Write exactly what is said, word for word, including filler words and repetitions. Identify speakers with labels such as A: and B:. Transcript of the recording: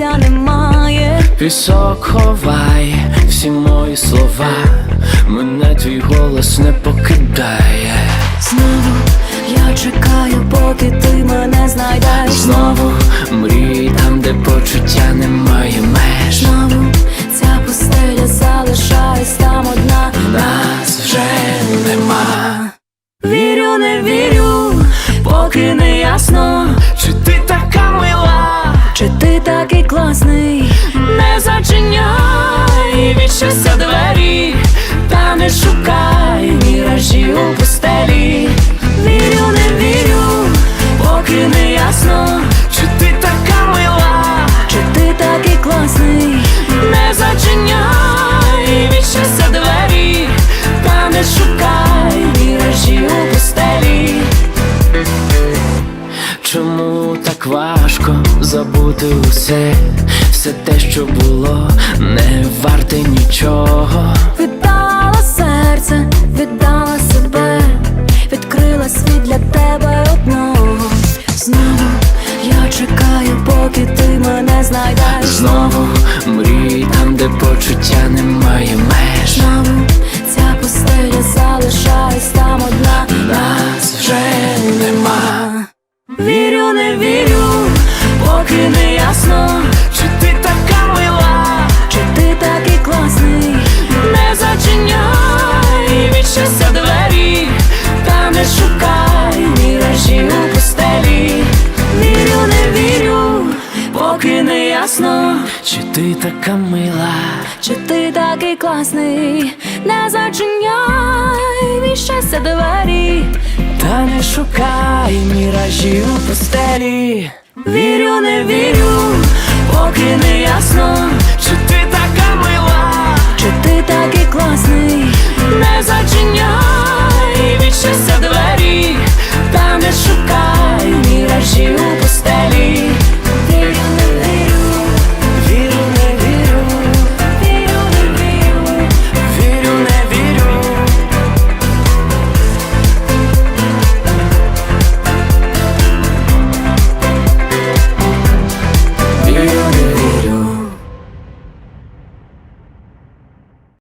A: місця немає.
B: Пісок ховай всі мої слова, мене твій голос не покидає.
A: Знову я чекаю, поки ти мене знайдеш.
B: Знову мрій там, де почуття немає меж.
A: Знову ця пустеля залишаюсь там одна.
B: Нас вже нема.
A: Вірю, не вірю, поки не ясно,
B: Чи ти така мила,
A: чи ти такий класний.
B: не зачиняй від щастя двері, та не шукай міражі у пустелі.
A: Вірю, не вірю,
B: Поки не ясно, чи ти така мила,
A: чи ти такий класний.
B: не зачиняй від щастя двері, та не шукай міражі у пустелі. Чому так важко забути усе, все те, що було, не варте нічого.
A: Віддала серце, віддала себе, відкрила світ для тебе одного. Знову я чекаю, поки ти мене знайдеш.
B: Знову мрій там, де почуття немає меж.
A: Знову ця пустеля залишаюсь там одна.
B: Нас вже нема.
A: Вірю, не вірю,
B: Поки не ясно, чи ти така мила,
A: чи ти такий класний.
B: не зачиняй від щастя двері, та не шукай міражі у пустелі.
A: Вірю, не вірю,
B: Поки не ясно, чи ти така мила,
A: чи ти такий класний. Не зачиняй від щастя двері,
B: та не шукай міражі у пустелі.
A: вірю, не вірю,